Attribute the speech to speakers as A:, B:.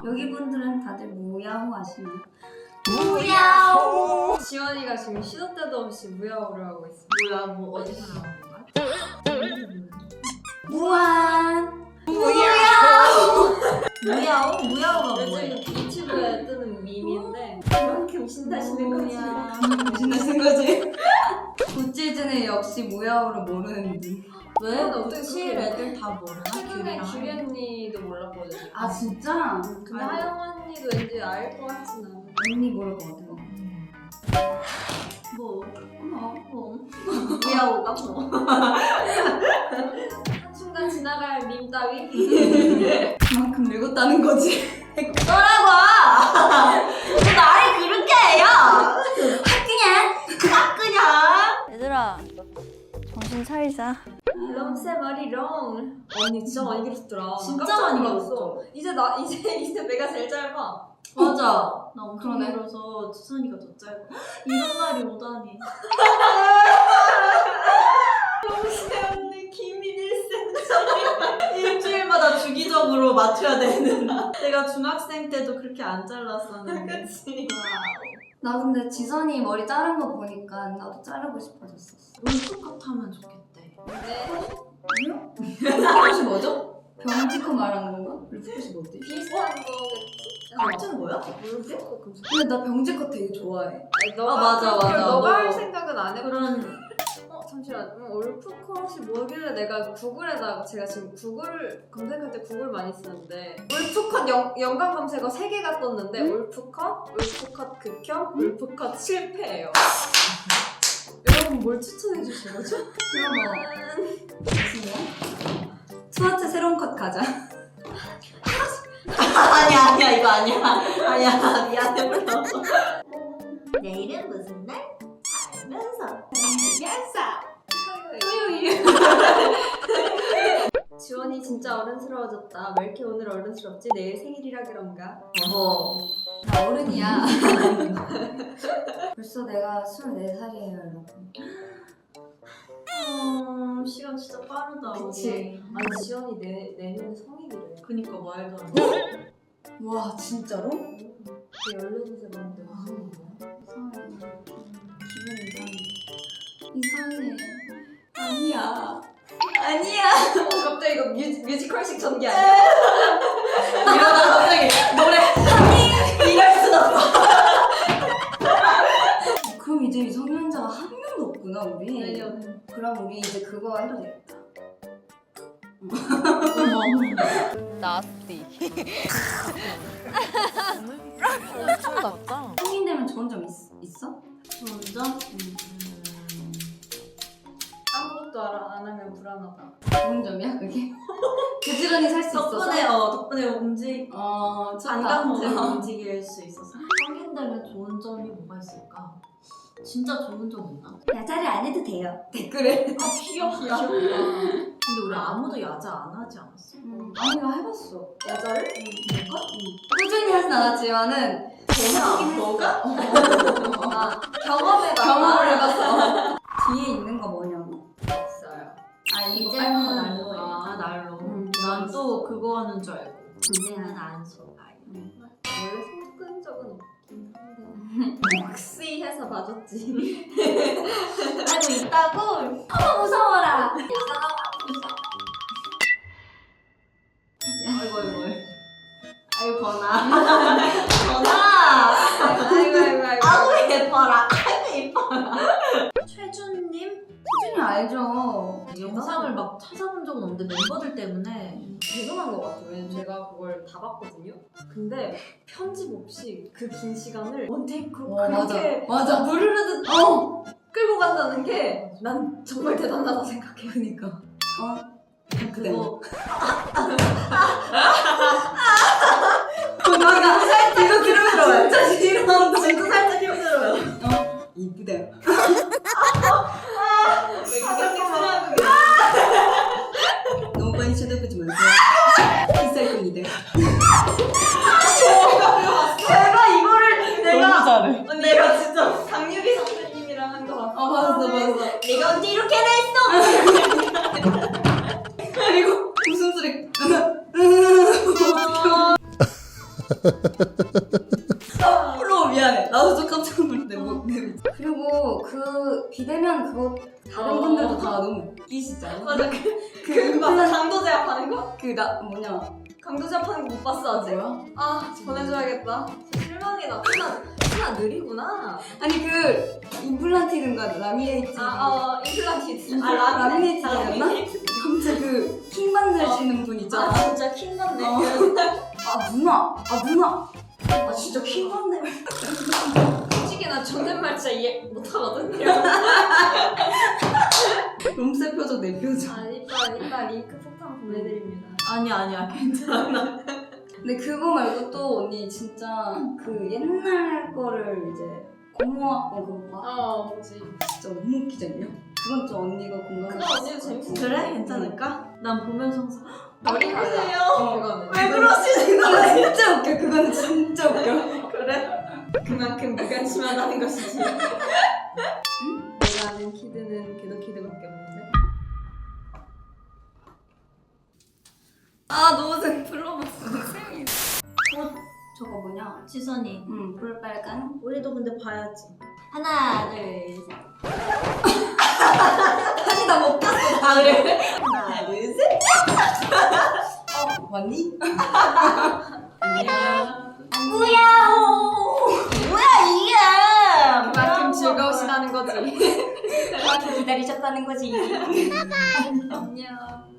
A: 여기 분들은 다들 무야호 아시나요?
B: 무야호!
C: 지원이가 지금 시도 때도 없이 무야호를 하고 있어.
B: 뭐야, 뭐 어디서 나온 건가?
A: 무한!
B: 무야호? 무야호가
C: 요즘
B: 뭐예요?
C: 유튜브에 뜨는 밈인데 그만큼 신나시는 거지.
A: 신나신 거지? 구찌즈는 역시 무야호를 모르는 듯.
B: 왜?
C: 어떻게
B: 구칠
C: 그렇게
B: 애들 다 모르나?
C: 최근에
B: 귤이랑
C: 규리 언니도 몰랐거든.
A: 아 진짜?
C: 근데 하영 언니도 왠지 알 것 같진 않아.
A: 언니 모를 것 같아.
B: 뭐?
A: 뭐.
B: 무야호가 뭐?
C: 한순간 지나갈 밈 따위?
A: 그만큼 늙었다는 거지.
B: 뭐라고! 너 나를 그렇게 해요! 그냥!
D: 얘들아 정신 차리자.
C: 럼새 머리 롱. 언니 진짜 많이 길었더라.
B: 진짜
C: 깜짝
B: 많이
C: 놀랐어. 이제 내가 제일 짧아.
B: 맞아. 나 엄청
A: 그러네.
B: 길어서 수선이가 더 짧아. 이런 날이 오다니.
C: 럼새 언니 기민 1cm.
B: 일주일마다 주기적으로 맞춰야 되는. 내가 중학생 때도 그렇게 안 잘랐었는데.
C: 그치.
A: 나 근데 지선이 머리 자른 거 보니까 나도 자르고 싶어졌었어.
B: 롤프컷 하면 좋겠대.
C: 네.
A: 룰프컷이 뭐죠? 병지컷 말하는 건가? 룰프컷이 뭐지?
C: 비슷한 거겠지?
B: 같은 거야?
C: 모르겠어.
A: 근데 나 병지컷 되게 좋아해.
B: 맞아.
C: 너가 할
B: 너도
C: 생각은 안 해봤어.
B: 그런
C: 잠시만. 올프컷이 뭐길래 내가 구글에다가 제가 지금 구글 검색할 때 구글 많이 쓰는데 올프컷 연관 검색어 3개가 떴는데 올프컷 극혐, 올프컷 실패예요. 여러분 뭘 추천해 주실 거죠?
A: 무슨이야? 투아트 새로운 컷 가자.
B: 아니야 이거 아니야 미안해 불러. 내일은 무슨 날? 알면서
C: 지원이 진짜 어른스러워졌다. 왜 이렇게 오늘 어른스럽지? 내일 생일이라 그런가?
A: 나 어른이야. 벌써 내가 24살이에요, 여러분.
B: 시간 진짜 빠르다.
A: 그치.
C: 아니 지원이 내년에 성인이래.
B: 그니까 말도 안 돼.
A: 와, 진짜로?
C: 걔 18살 만데
A: 이상해. 기분 이상해. 아니야.
C: 갑자기 이거 뮤지컬식 전개 아니야?
B: 이러다 갑자기 노래 이럴 순 없어.
A: 그럼 이제 미성년자가 한 명도 없구나, 우리.
C: 내년.
A: 그럼 우리 이제 그거 해도 되겠다.
D: 나스티. 엄청 낫다.
A: 성인 되면 좋은 점 있어?
B: 먼저
C: 아무것도 안 하면 불안하다.
A: 좋은 점이야, 그게? 부지런히 살 수 있어서?
B: 덕분에
A: 반감점.
B: 움직일 수 있어서. 성인 되면 좋은 점이 뭐가 있을까? 진짜 좋은 점 없나?
A: 야자를 안 해도 돼요. 댓글에.
B: 귀엽다. 근데 우리 아무도 야자 안 하지 않았어?
A: 아니, 나 해봤어.
C: 야자를?
A: 꾸준히 하진 않았지만은
B: 너가?
A: 경험을 해봤어. 뒤에 있는 거 뭐냐고.
C: 없어요.
A: 이거
B: 이제는
A: 빨간 거 날로 해.
B: 날로.
A: 응.
B: 난 또 그거 하는 줄 알고.
A: 이제는
B: 안 속아요.
C: 원래 손끈 적은 없긴 한데 혹시 해서 봐줬지.
B: 알고 있다고?
A: 어머, 무서워라.
B: 아이고.
A: 아유, 번아.
B: 전화. 아우 예뻐라. 아이고 예뻐라. 최준님?
A: 수준이 알죠.
B: 영상을 막 찾아본 적은 없는데 멤버들 때문에
C: 죄송한 것 같아요. 왜냐면 제가 그걸 다 봤거든요. 근데 편집 없이 그 긴 시간을 원테이크로 그렇게
A: 맞아.
C: 물 흐르듯 끌고 간다는 게 난 정말 대단하다 생각해.
A: 그니까. 그대.
B: 그거
A: 이거 들어요. 진짜 싫어.
B: 진짜 살짝 힘들어요.
A: 이쁘대.
C: 왜 그렇게 쓰라고
A: 너무 많이 쳐다보지 마세요. 비쌀 겁니다.
B: 내가 이거를
D: 너무 잘해.
B: 내가 진짜
C: 강유리 선생님이랑 한 거 봤어.
A: 봤어.
B: 내가 언제 이렇게 했어?
A: 그리고 웃음소리. 플로우 미안해. 나도 좀 깜짝 놀랐네. 그리고 그 비대면 그거 다른 분들도 다 너무 웃기시지 않아?
B: 맞아
A: 그
B: 강도 제압하는 거?
A: 그나 뭐냐
C: 강도 제압하는 거 못 봤어 아직?
A: 뭐야?
C: 아 보내줘야겠다. 진짜 실망이다. 피나 느리구나.
A: 아니 그 임플란티든가 라미네이트
C: 임플란티드.
A: 라미네이트였나? 진짜 그 킹 만드시는 분 있잖아.
B: 진짜 킹 받네.
A: 아 누나 아 진짜 킹 받네.
C: 솔직히 나 존댓말 진짜 이해 못하거든요.
A: 롬세 표정 내 표정.
C: 이따 링크 폭탄 보내드립니다.
B: 아니야 괜찮아.
A: 근데 그거 말고 또 언니 진짜 그 옛날 거를 이제 고모학번 그거 봐.
C: 뭐지?
A: 진짜 너무 웃기지 않냐? 그건 좀 언니가 공감해.
C: 그거 언니도 재밌어.
B: 그래? 괜찮을까? 난 보면서 항상
C: 머리 가세요. 그거는.
B: 왜 그러시는
A: 그거
B: 거예요?
A: 진짜 웃겨. 그거는 진짜 웃겨.
B: 그래?
C: 그만큼 무관심하다는 것이지. 내가 아는 키드는 걔도 키드밖에 없는데.
A: 아 너무 슬퍼먹었어. 저거 뭐냐?
B: 지선이
A: 볼빨간.
B: 우리도 근데 봐야지.
A: 하나 둘 셋. 다시 나 못 봤어.
B: 아 그래? 하나 둘 셋.
A: 봤니?
B: 안녕.
A: 뭐야 이게?
C: 그만큼 즐거우시다는 거지.
A: 그만큼 기다리셨다는 거지.
C: 안녕.